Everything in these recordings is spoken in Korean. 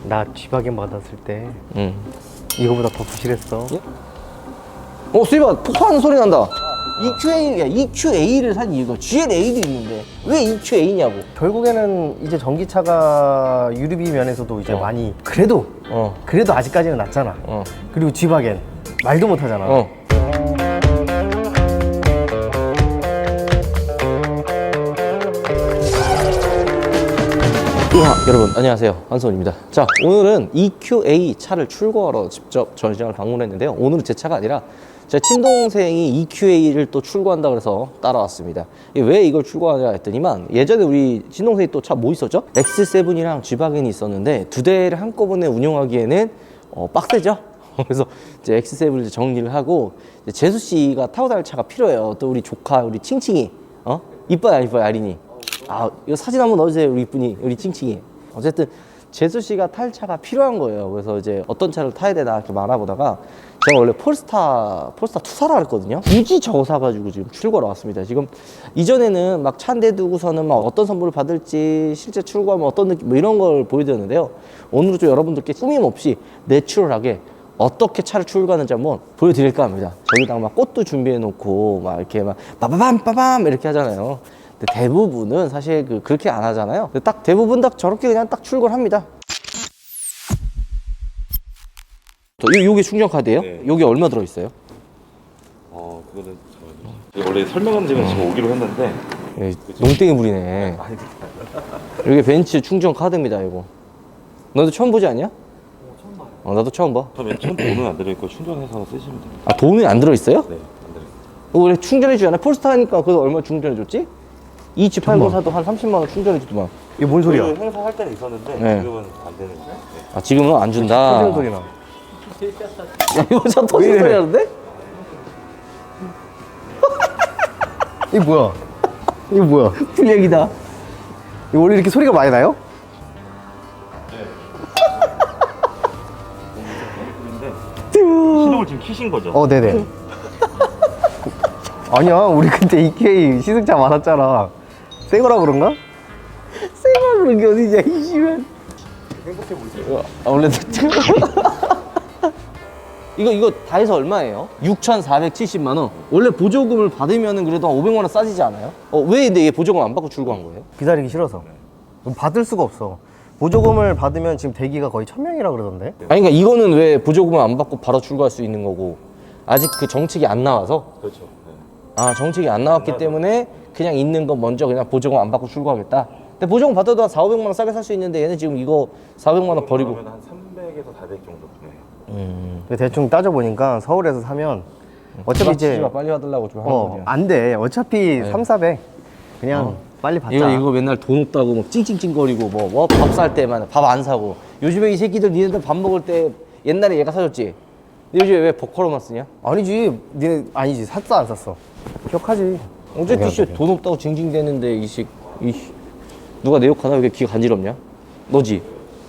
나 G박엔 받았을 때 응. 이거보다 더 부실했어. 예? 수입아 폭파하는 소리 난다. EQA를 산 이유가 GLA도 있는데 왜 EQA냐고. 결국에는 이제 전기차가 유류비 면에서도 이제 많이 그래도 아직까지는 낫잖아. 그리고 G박엔 말도 못하잖아. 여러분 안녕하세요, 한손입니다. 자, 오늘은 EQA 차를 출고하러 직접 전시장을 방문했는데요. 오늘은 제 차가 아니라 제 친동생이 EQA를 또 출고한다 그래서 따라왔습니다. 왜 이걸 출고하냐 했더니만, 예전에 우리 친동생이 또 차 뭐 있었죠? X7이랑 G박엔이 있었는데 두 대를 한꺼번에 운영하기에는 빡세죠? 그래서 이제 X7을 이제 정리를 하고, 이제 재수 씨가 타고 다닐 차가 필요해요. 또 우리 조카 우리 칭칭이 이뻐요 안 이뻐요 아린이? 이거 사진 한번 넣어주세요, 우리 이쁜이, 우리 칭칭이. 어쨌든 재수 씨가 탈 차가 필요한 거예요. 그래서 이제 어떤 차를 타야 되나 이렇게 알아보다가, 제가 원래 폴스타 2 사라 그랬거든요. 굳이 저거 사가지고 지금 출고하러 왔습니다. 지금 이전에는 막 차 한 대 두고서는 막 어떤 선물을 받을지, 실제 출고하면 어떤 느낌, 뭐 이런 걸 보여드렸는데요. 오늘은 좀 여러분들께 꾸밈 없이 내추럴하게 어떻게 차를 출고하는지 한번 보여드릴까 합니다. 저기다가 막 꽃도 준비해 놓고 막 이렇게 막 빠바밤 이렇게 하잖아요. 근데 대부분은 사실 그렇게 안 하잖아요. 딱 대부분 딱 저렇게 그냥 딱 출고를 합니다. 요게 충전 카드예요? 네. 요게 얼마 들어있어요? 그거는 잠깐만요. 원래 설명한 지는 지금 오기로 했는데 농땡이 부리네. 이게 벤츠 충전 카드입니다, 이거. 너도 처음 보지 않냐? 처음 봐요. 나도 처음 봐. 맨 처음 돈은 안 들어있고 충전해서 쓰시면 됩니다. 돈이 안 들어있어요? 네, 안 들어있어요. 원래 충전해주잖아. 폴스타 하니까 그거 얼마 충전해줬지? 이 G80 사도 한 30만 원 충전해주더만. 이게 뭔 소리야? 그 행사 할 때는 있었는데 네. 지금은 안 되는 거예요. 네. 지금은 안 준다. 터지는 소리 나. 야, 이거 차 터지는 소리 하는데? 이게 뭐야? 이게 뭐야? 불량이다. 이거 원래 이렇게 소리가 많이 나요? 시동을 지금 키신 거죠? 네네. 아니야, 우리 그때 EQA 시승차 많았잖아. 새 거라 그런가? 생활 그런 게 어디냐, 이 씨발. 행복해 보이세요? 원래 이거 다 해서 얼마예요? 6,470만 원. 원래 보조금을 받으면은 그래도 한 500만 원 싸지지 않아요? 왜 근데 얘 보조금 안 받고 출고한 거예요? 기다리기 싫어서. 받을 수가 없어. 보조금을 받으면 지금 대기가 거의 1000명이라 그러던데? 아니, 그러니까 이거는 왜 보조금을 안 받고 바로 출고할 수 있는 거고, 아직 그 정책이 안 나와서? 그렇죠. 네. 정책이 안 나왔기 때문에 그냥 있는 거 먼저 그냥 보조금 안 받고 출고하겠다. 근데 보조금 받아도 한 4,500만 원 싸게 살 수 있는데, 얘는 지금 이거 400만 원 버리고. 그러면 한 300에서 400 정도. 네. 근데 대충 따져보니까 서울에서 사면 어차피 이제 빨리 받으려고 좀 하는 거죠. 안 돼. 어차피 3,400 그냥 빨리 받자. 이거 맨날 돈 없다고 막 찡찡찡거리고 밥 살 때만 밥 안 사고. 요즘에 이 새끼들 니네들 밥 먹을 때 옛날에 얘가 사줬지? 근데 요즘에 왜 버커로만 쓰냐? 아니지. 니네 아니지. 샀어 안 샀어? 기억하지. 어쨌든 씨 돈 없다고 징징대는데 이씨 누가 내 욕하나? 왜 이렇게 귀가 간지럽냐? 너지?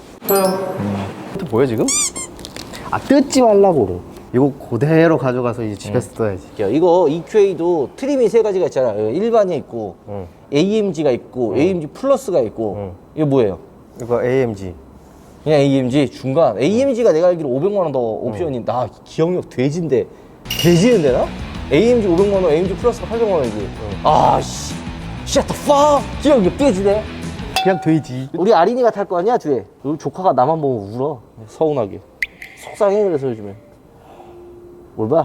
또 뭐야 지금? 뜯지 말라고. 이거 그대로 가져가서 이제 집에서 떠야지. 이거 EQA도 트림이 3가지가 있잖아. 일반이 있고 AMG가 있고 AMG 플러스가 있고. 이거 뭐예요? 이거 AMG. 그냥 AMG 중간. AMG가 내가 알기로 500만 원 더 옵션이. 나 기억력 돼지인데 돼지는 되나? AMG 500만 원, AMG 플러스가 800만 원이지. 씨, shut the fuck. 기억력 돼지네. 그냥 돼지. 우리 아린이가 탈 거 아니야 뒤에. 우리 조카가 나만 보면 울어. 서운하게. 속상해. 그래서 요즘에 뭘 봐?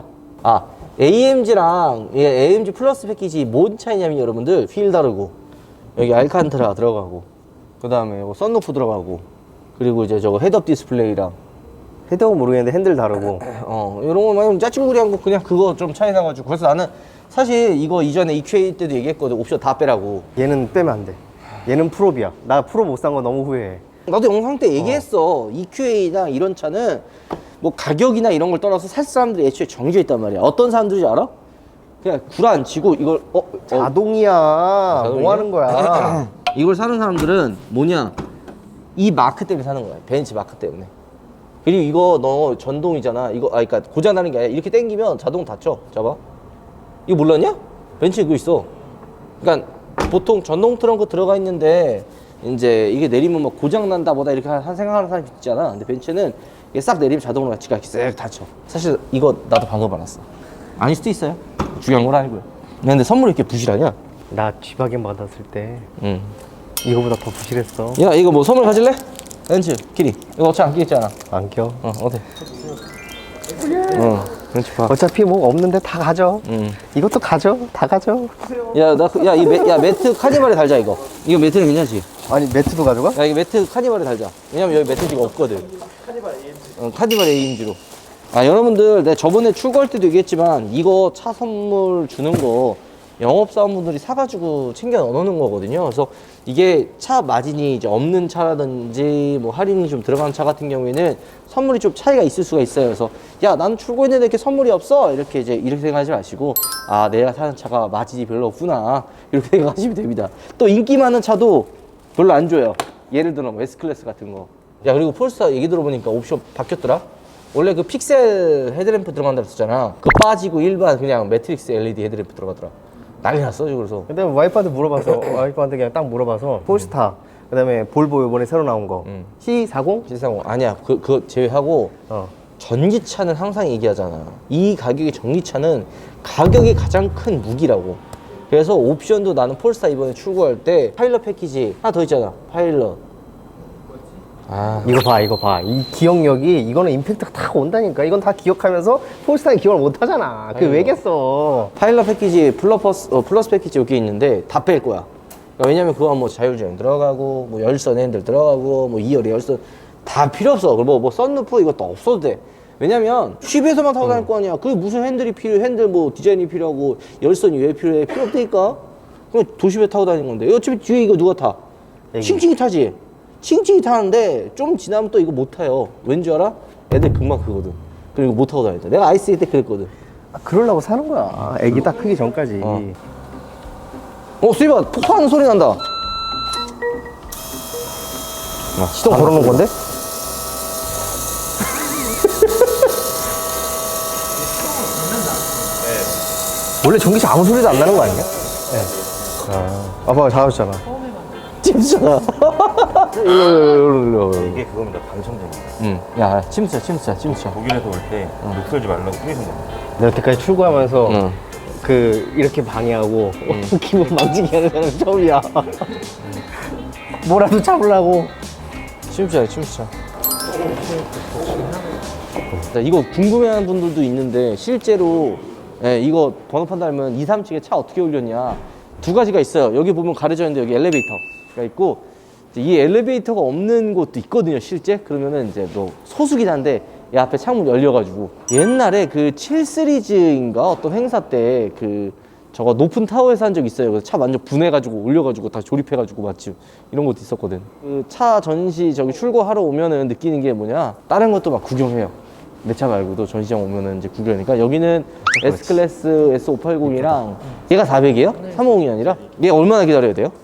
AMG랑 AMG 플러스 패키지 뭔 차이냐면, 여러분들 휠 다르고, 여기 알칸타라 들어가고, 그 다음에 썬루프 들어가고, 그리고 이제 저거 헤드업 디스플레이랑 헤드업은 모르겠는데 핸들 다르고. 이런 거 많이 짜증구리한 거 그냥 그거 좀 차이 나가지고. 그래서 나는 사실 이거 이전에 EQA 때도 얘기했거든. 옵션 다 빼라고. 얘는 빼면 안 돼. 얘는 프로비야. 나 프로 못 산 거 너무 후회해. 나도 영상 때 얘기했어. EQA나 이런 차는 뭐 가격이나 이런 걸 떠나서 살 사람들이 애초에 정해져 있단 말이야. 어떤 사람들인지 알아? 그냥 구라안치고 이걸 자동이야. 자동이야? 뭐 하는 거야? 이걸 사는 사람들은 뭐냐, 이 마크 때문에 사는 거야. 벤츠 마크 때문에. 그리고 이거 너 전동이잖아. 이거 그러니까 고장 나는 게 아니라 이렇게 당기면 자동 닫혀. 잡아. 이거 몰랐냐? 벤츠 이거 있어. 그러니까 보통 전동 트렁크 들어가 있는데 이제 이게 내리면 막 고장 난다 보다 이렇게 생각하는 사람이 있잖아. 근데 벤츠는 이게 싹 내리면 자동으로 지가 이렇게 쓱 닫혀. 사실 이거 나도 방금 알았어. 아닐 수도 있어요. 중요한 건 아니고요. 근데 선물이 이렇게 부실하냐? 나 G바겐 받았을 때 응. 이거보다 더 부실했어. 야 이거 뭐 선물 가질래? 벤츠 키리 이거 어차피 안 끼겠잖아. 안 껴. 어때? 벤츠 봐. 어차피 뭐 없는데 다 가져. 이것도 가져. 다 가져. 야 매트 카니발에 달자 이거. 이거 매트는 괜찮지? 아니 매트도 가져가? 야 이거 매트 카니발에 달자. 왜냐면 여기 매트 지금 없거든. 카니발 AMG로. 아 여러분들 내가 저번에 출고할 때도 얘기했지만 이거 차 선물 주는 거 영업사원분들이 사가지고 챙겨 넣어놓는 거거든요. 그래서 이게 차 마진이 이제 없는 차라든지 뭐 할인이 좀 들어가는 차 같은 경우에는 선물이 좀 차이가 있을 수가 있어요. 그래서 야 나는 출고했는데 이렇게 선물이 없어 이렇게 이렇게 생각하지 마시고 아 내가 사는 차가 마진이 별로 없구나 이렇게 생각하시면 됩니다. 또 인기 많은 차도 별로 안 줘요. 예를 들어 뭐 S클래스 같은 거. 야 그리고 폴스타 얘기 들어보니까 옵션 바뀌었더라. 원래 그 픽셀 헤드램프 들어간다 그랬었잖아. 그 빠지고 일반 그냥 매트릭스 LED 헤드램프 들어가더라. 난리 났어 지금. 그래서 근데 와이프한테 물어봐서 와이프한테 그냥 딱 물어봐서 폴스타 그다음에 볼보 이번에 새로 나온 거 C40? C30 아니야. 그거 제외하고 전기차는 항상 얘기하잖아. 이 가격의 전기차는 가격이 가장 큰 무기라고. 그래서 옵션도 나는 폴스타 이번에 출고할 때 파일럿 패키지 하나 더 있잖아. 파일럿. 아 이거 봐. 이 기억력이 이거는 임팩트가 다 온다니까. 이건 다 기억하면서 폴스타는 기억을 못 하잖아. 그게 왜겠어? 파일럿 패키지 플러스 패키지 여기 있는데 다 뺄 거야. 그러니까 왜냐면 그거 뭐 자율주행 들어가고 뭐 열선 핸들 들어가고 뭐 2열의 열선 다 필요 없어. 그리고 뭐 썬루프 이것도 없어도 돼. 왜냐면 집에서만 타고 다닐 거 아니야. 그게 무슨 핸들이 필요해. 핸들 뭐 디자인이 필요하고 열선이 왜 필요해. 필요 없다니까. 그냥 도심에 타고 다니는 건데 어차피 뒤에 이거 누가 타? 칭칭이 타지. 칭칭이 타는데 좀 지나면 또 이거 못 타요. 왠지 알아? 애들 금방 크거든. 그리고 못 타고 다닌다. 내가 아이스 때 그랬거든. 아, 그러려고 사는 거야. 애기 딱 크기 전까지. 수입아 폭파하는 소리 난다. 시동 걸어놓은 건데? 원래 전기차 아무 소리도 안 나는 거 아니야? 네. 아빠가 잡았잖아. 침수잖아. 일로. 이게 그겁니다. 방청객입니다. 야, 침수야. 독일에서 올 때 욕설지 말라고 뿌리신 겁니다. 내가 여태까지 출고하면서 이렇게 방해하고 기분 망치게 하는 사람 처음이야. 뭐라도 잡으려고. 침수야. 이거 궁금해하는 분들도 있는데 실제로 이거 번호판 달면 2, 3층에 차 어떻게 올렸냐 두 가지가 있어요. 여기 보면 가려져 있는데 여기 엘리베이터가 있고 이 엘리베이터가 없는 곳도 있거든요. 실제 그러면은 이제 너 소수긴 한데 이 앞에 창문 열려가지고 옛날에 그 7시리즈인가 어떤 행사 때 그 저거 높은 타워에서 한 적 있어요. 그래서 차 완전 분해가지고 올려가지고 다 조립해가지고 마치 이런 것도 있었거든. 그 차 전시 저기 출고하러 오면은 느끼는 게 뭐냐 다른 것도 막 구경해요. 내 차 말고도 전시장 오면은 이제 구경하니까 여기는 S클래스 S580이랑 얘가 400이에요? 350이 아니라? 얘 얼마나 기다려야 돼요?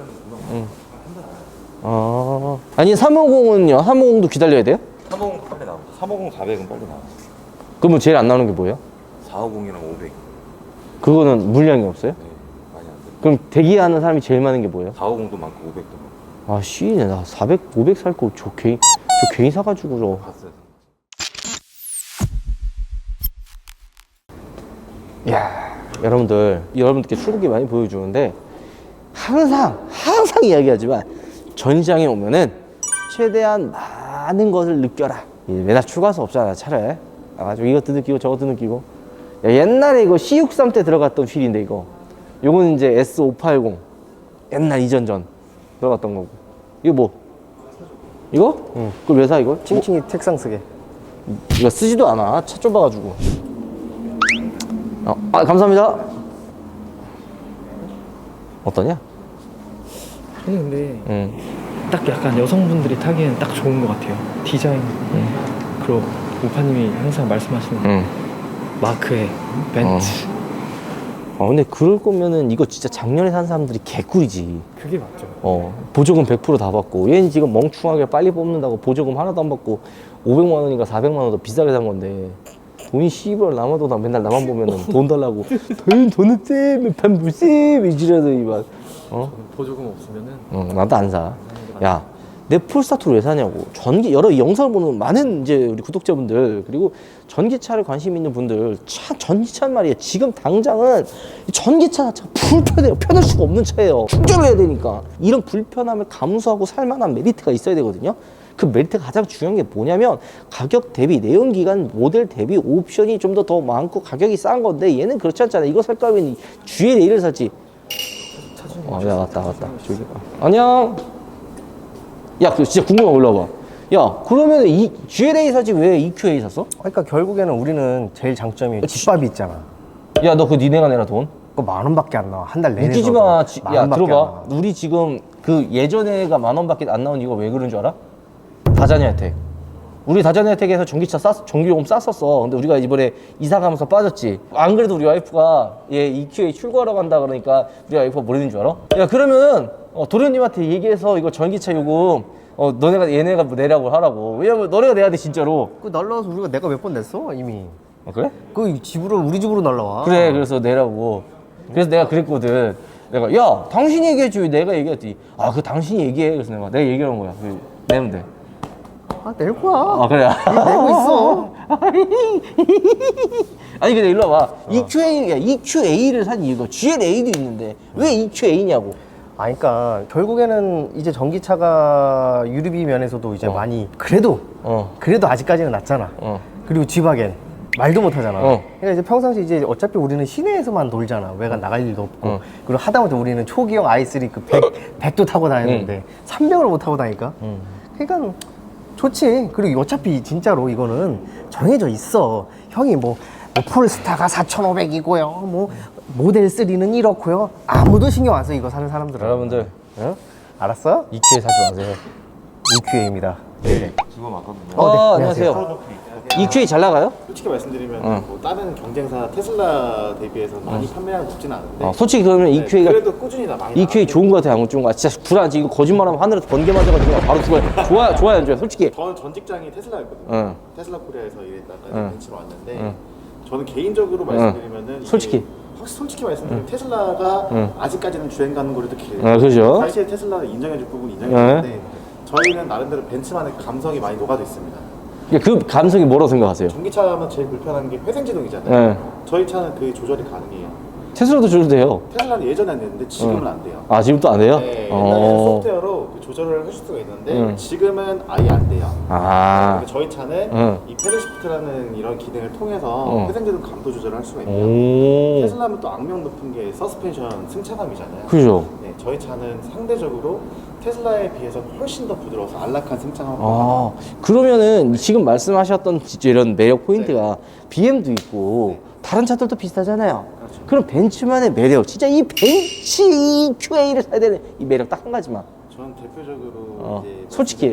아니 350은요? 350도 기다려야 돼요? 350 빨리 나옵니다. 350, 400은 빨리 나와요. 그러면 제일 안 나오는 게 뭐예요? 450이랑 500. 그거는 물량이 없어요? 네, 많이 안 돼요. 그럼 대기하는 사람이 제일 많은 게 뭐예요? 450도 많고 500도 많고. 아 씨네 나 400, 500 살 거 저 괜히 사가지고 저 봤어요. 야 여러분들께 출고기 많이 보여주는데 항상 이야기하지만 전시장에 오면은 최대한 많은 것을 느껴라. 맨날 출고할 없잖아 차를. 가지고 이것도 느끼고 저것도 느끼고. 야, 옛날에 이거 C63 때 들어갔던 휠인데 이거. 요거는 이제 S580 옛날 이전 들어갔던 거고. 이거 뭐? 이거? 응. 그걸 왜 사 이걸? 칭칭이 책상 쓰게. 이거 쓰지도 않아. 차 좁아가지고. 감사합니다. 어떠냐? 저는 근데 딱 약간 여성분들이 타기에는 딱 좋은 것 같아요. 디자인 그리고 우파님이 항상 말씀하시는 마크의 벤츠 근데 그럴 거면은 이거 진짜 작년에 산 사람들이 개꿀이지. 그게 맞죠. 보조금 100% 다 받고 얘는 지금 멍충하게 빨리 뽑는다고 보조금 하나도 안 받고 500만 원인가 400만 원 더 비싸게 산 건데 돈이 씨발 남아도 나 맨날 나만 보면은 돈 달라고 돈은 쎄 반부쎄 이지라더니 막 보조금 없으면은 나도 안 사. 야, 내 폴스타트를 왜 사냐고. 여러 영상을 보는 많은 이제 우리 구독자분들, 그리고 전기차를 관심 있는 분들, 전기차는 말이에요. 지금 당장은 이 전기차 자체가 불편해요. 편할 수가 없는 차예요. 충전을 해야 되니까. 이런 불편함을 감수하고 살만한 메리트가 있어야 되거든요. 그 메리트가 가장 중요한 게 뭐냐면 가격 대비, 내연기관 모델 대비 옵션이 좀 더 많고 가격이 싼 건데 얘는 그렇지 않잖아. 이거 살 거면 GL8을 살지. 야, 왔다. 저기. 안녕. 야, 그 진짜 궁금한 거 올라와봐. 야, 그러면 이 GLA 사지 왜 EQA 샀어? 그러니까 결국에는 우리는 제일 장점이 집밥이 있잖아. 야, 너 그 니네가 내라 돈? 그거 10,000원밖에 안 나와. 한 달 내내. 웃기지 마. 야, 들어봐. 나와. 우리 지금 그 예전에가 10,000원밖에 안 나온 이거 왜 그런 줄 알아? 다자녀 혜택. 우리 다자녀 혜택에서 전기요금 쌌었어. 근데 우리가 이번에 이사 가면서 빠졌지. 안 그래도 우리 와이프가 얘 EQA 출고하러 간다 그러니까 우리 와이프가 뭐라는 줄 알아? 야, 그러면은 도련님한테 얘기해서 이거 전기차 요금 얘네가 뭐 내라고 하라고. 왜냐면 너네가 내야 돼 진짜로. 그 날라와서 내가 몇 번 냈어 이미. 그래? 그 집으로 우리 집으로 날라와. 그래, 그래서 내라고. 그래서 내가 그랬거든. 내가 야, 당신이 얘기해줘. 내가 얘기했지. 아, 그 당신이 얘기해. 그래서 내가 얘기한 거야. 내면 돼. 아, 낼 거야. 아, 그래. 내고 있어. 아니 근데 일로 와봐. EQA를 산 이유가 GLA도 있는데 왜 EQA냐고. 그러니까 결국에는 이제 전기차가 유류비 면에서도 이제 많이 그래도 아직까지는 낫잖아. 그리고 G바겐 말도 못 하잖아. 그러니까 이제 평상시 이제 어차피 우리는 시내에서만 놀잖아. 외관 나갈 일도 없고. 그리고 하다못해 우리는 초기형 i3 그 100도 타고 다니는데 300을 못 타고 다니까. 그러니까 좋지. 그리고 어차피 진짜로 이거는 정해져 있어. 형이 뭐 폴스타가 4,500이고요. 뭐 모델 3는 이렇고요. 아무도 신경 안 써. 이거 사는 사람들은. 여러분들 알았어? EQA 사지 마세요. EQA입니다. 네. 지금 왔거든요. 네, 안녕하세요. EQA 잘 나가요? 솔직히 말씀드리면 뭐 다른 경쟁사 테슬라 대비해서 많이 판매량이 높지는 않은데 솔직히 그러면 EQA가 그래도 꾸준히 많이 EQA 좋은 거 같아요, 안 좋은 거? 진짜 불안하지. 이거 거짓말하면 하늘에서 번개 맞아가지고 바로 죽어요. 좋아요, 안 좋아요? 솔직히. 저는 전 직장이 테슬라였거든요. 테슬라 코리아에서 일했다가 벤치로 왔는데 저는 개인적으로 말씀드리면은 솔직히. 솔직히 말씀드리면 테슬라가 아직까지는 주행 가는 거리도 길어요. 그죠? 사실 테슬라를 인정해줄 부분이 인정해주는데 저희는 나름대로 벤츠만의 감성이 많이 녹아져 있습니다. 그 감성이 뭐라고 생각하세요? 전기차 하면 제일 불편한 게 회생제동이잖아요. 저희 차는 그 조절이 가능해요. 테슬라도 줘도 돼요. 테슬라는 예전에 안 됐는데 지금은 안 돼요. 아, 지금 또 안 돼요? 네, 옛날에는 소프트웨어로 그 조절을 하실 수가 있는데 지금은 아예 안 돼요. 아. 그러니까 저희 차는 이 패들 시프트라는 이런 기능을 통해서 회생제동 감도 조절을 할 수가 있고요. 테슬라는 또 악명 높은 게 서스펜션 승차감이잖아요. 그죠? 네, 저희 차는 상대적으로 테슬라에 비해서 훨씬 더 부드러워서 안락한 승차감을 아, 그러면은 지금 말씀하셨던 진짜 이런 매력 포인트가 BM도 있고 다른 차들도 비슷하잖아요. 그럼 벤츠만의 매력, 진짜 이 벤츠 EQA를 사야 되는 이 매력 딱 한 가지만. 저는 대표적으로 이제 솔직히,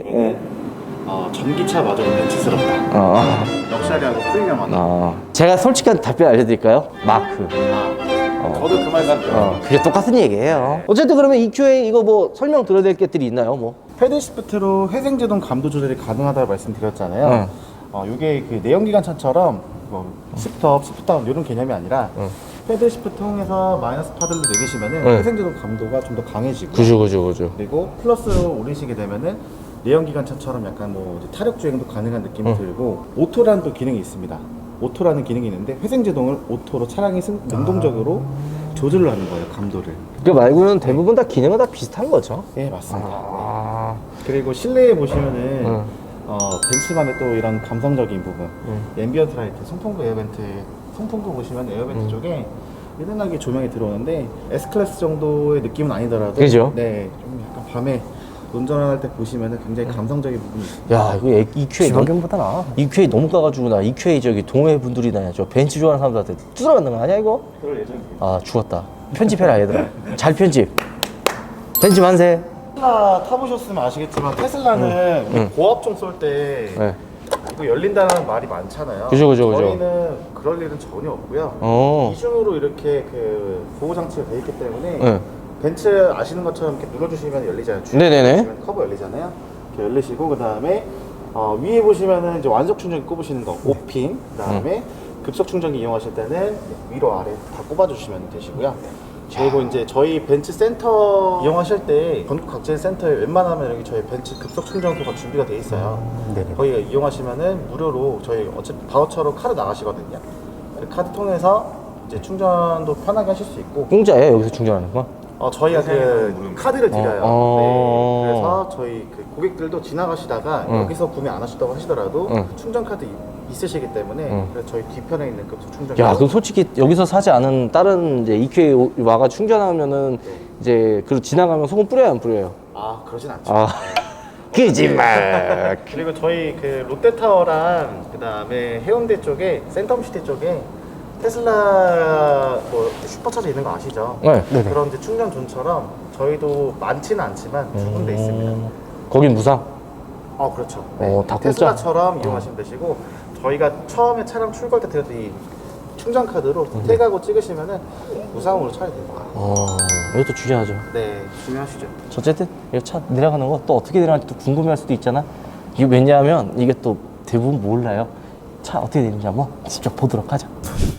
전기차마저 벤츠스럽다. 럭셔리하고 프리미엄하다. 제가 솔직한 답변 알려드릴까요? 마크. 저도 그 말씀 드려요. 그게 똑같은 얘기예요. 어쨌든 그러면 EQA 이거 뭐 설명 드려야 될 것들이 있나요? 뭐. 패들 시프트로 회생제동 감도 조절이 가능하다고 말씀드렸잖아요. 이게 그 내연기관차처럼 뭐 시프트업, 시프트다운 이런 개념이 아니라 패들 시프트 통해서 마이너스 파들로 내리시면은 회생제동 감도가 좀 더 강해지고 그죠. 그리고 플러스로 올리시게 되면은 내연기관차처럼 약간 뭐 이제 타력 주행도 가능한 느낌이 들고 오토라는 또 기능이 있습니다. 오토라는 기능이 있는데 회생제동을 오토로 차량이 능동적으로 조절을 하는 거예요, 감도를. 그 말고는 대부분 다 기능은 다 비슷한 거죠. 네, 맞습니다. 네. 그리고 실내에 보시면은 벤츠만의 또 이런 감성적인 부분, 앰비언트 라이트, 송풍구 에어벤트, 송풍구 보시면 에어벤트 쪽에 은은하게 조명이 들어오는데 S클래스 정도의 느낌은 아니더라도 그죠? 네, 좀 약간 밤에 운전할 때 보시면은 굉장히 감성적인 부분이 있어요. 야, 이거 EQA 지방견보다 나아. EQA 너무 까가지고 나 EQA 저기 동호회 분들이나 저 벤츠 좋아하는 사람들한테 뚫어맞는 거 아니야 이거? 그럴 예정입니다. 아, 죽었다. 편집해라 얘들아. 잘 편집. 벤츠 만세. 테슬라 타보셨으면 아시겠지만 테슬라는 고압종 쏠 때 네. 이거 열린다는 말이 많잖아요. 그죠. 저희는 그럴 일은 전혀 없고요. 이중으로 이렇게 그 보호 장치가 돼 있기 때문에 네. 벤츠 아시는 것처럼 이렇게 눌러주시면 열리잖아요. 네네네. 눌러주시면 커버 열리잖아요. 이렇게 열리시고 그 다음에 위에 보시면은 이제 완속 충전기 꼽으시는 거 5핀. 그 다음에 급속 충전기 이용하실 때는 위로 아래 다 꼽아주시면 되시고요. 그리고 이제 저희 벤츠 센터 이용하실 때 전국 각지 센터에 웬만하면 여기 저희 벤츠 급속 충전소가 준비가 돼 있어요. 네네. 거기 이용하시면은 무료로 저희 어차피 바우처로 카드 나가시거든요. 그 카드 통해서 이제 충전도 편하게 하실 수 있고. 공짜예요 여기서 충전하는 거? 저희가 그 카드를 드려요. 어. 네. 그래서 저희 그 고객들도 지나가시다가 여기서 구매 안 하시다고 하시더라도 충전 카드 있으시기 때문에 그래서 저희 뒤편에 있는 급속 충전. 야, 그럼 솔직히 여기서 사지 않은 다른 이제 EQA 와가 충전하면은 이제 그 지나가면 소금 뿌려요, 안 뿌려요? 그러진 않죠. 아, 거짓말. 그리고 저희 그 롯데타워랑 그 다음에 해운대 쪽에 센텀시티 쪽에 테슬라 뭐 슈퍼차저 있는 거 아시죠? 네. 네네. 그런 이제 충전존처럼 저희도 많지는 않지만 두 군데 있습니다. 거긴 무상. 그렇죠. 다 공짜? 테슬라처럼 이용하시면 되시고 저희가 처음에 차량 출고할 때 드렸던 이 충전 카드로 태그하고 찍으시면은 무상으로 차야 됩니다. 이것도 중요하죠. 네, 중요하시죠. 어쨌든 이 차 내려가는 거 또 어떻게 내려가는지 또 궁금해할 수도 있잖아. 이게 왜냐하면 이게 또 대부분 몰라요. 차 어떻게 되는지 한번 직접 보도록 하자.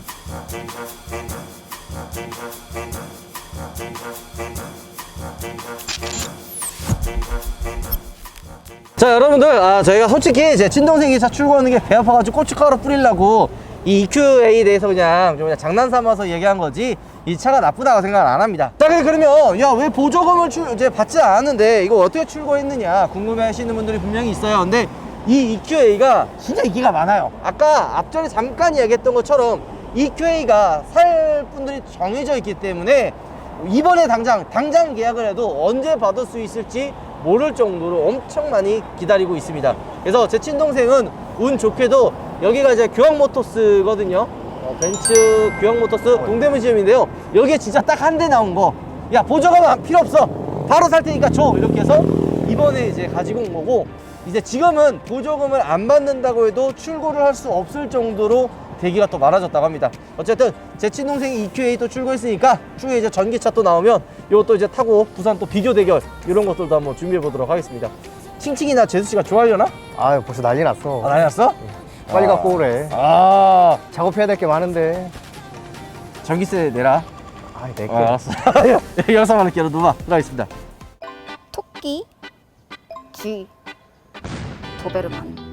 자, 여러분들, 저희가 솔직히 제 친동생이 차 출고하는 게 배 아파가지고 고춧가루 뿌리려고 이 EQA에 대해서 그냥 장난 삼아서 얘기한 거지 이 차가 나쁘다고 생각은 안 합니다. 자, 그러면 야, 왜 보조금을 이제 받지 않았는데 이거 어떻게 출고했느냐 궁금해 하시는 분들이 분명히 있어요. 근데 이 EQA가 진짜 인기가 많아요. 아까 앞전에 잠깐 이야기했던 것처럼 EQA가 살 분들이 정해져 있기 때문에 이번에 당장 계약을 해도 언제 받을 수 있을지 모를 정도로 엄청 많이 기다리고 있습니다. 그래서 제 친동생은 운 좋게도 여기가 이제 교황모터스거든요. 벤츠 교황모터스 동대문 지점인데요. 여기에 진짜 딱 한 대 나온 거. 야, 보조금 필요 없어. 바로 살 테니까 줘. 이렇게 해서 이번에 이제 가지고 온 거고, 이제 지금은 보조금을 안 받는다고 해도 출고를 할 수 없을 정도로 대기가 또 많아졌다고 합니다. 어쨌든 제 친동생이 EQA 또 출고했으니까 추후에 이제 전기차 또 나오면 이것도 이제 타고 부산 또 비교 대결 이런 것들도 한번 준비해 보도록 하겠습니다. 칭칭이나 제수씨가 좋아하려나? 벌써 난리 났어. 난리 났어? 빨리 갖고 오래. 작업해야 될 게 많은데. 전기세 내라. 내 거. 알았어. 여기서만 이렇게 놓아 들어가겠습니다. 토끼, 쥐, 도베르만.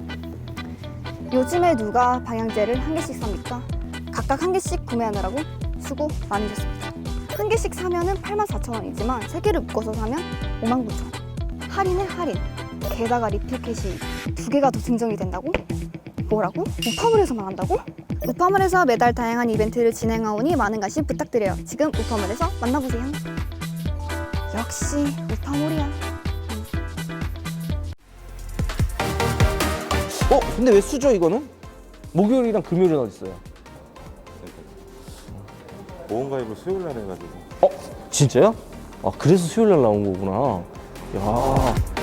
요즘에 누가 방향제를 한 개씩 삽니까? 각각 한 개씩 구매하느라고 수고 많으셨습니다. 한 개씩 사면은 84,000원이지만 세 개를 묶어서 사면 59,000원. 할인에 할인. 게다가 리필캣이 두 개가 더 증정이 된다고? 뭐라고? 우파물에서만 한다고? 우파물에서 매달 다양한 이벤트를 진행하오니 많은 관심 부탁드려요. 지금 우파물에서 만나보세요. 역시 우파물이야. 근데 왜 수저 이거는? 목요일이랑 금요일은 어디 있어요? 보험가입을 수요일 날 해가지고 진짜요? 그래서 수요일 날 나온 거구나. 야,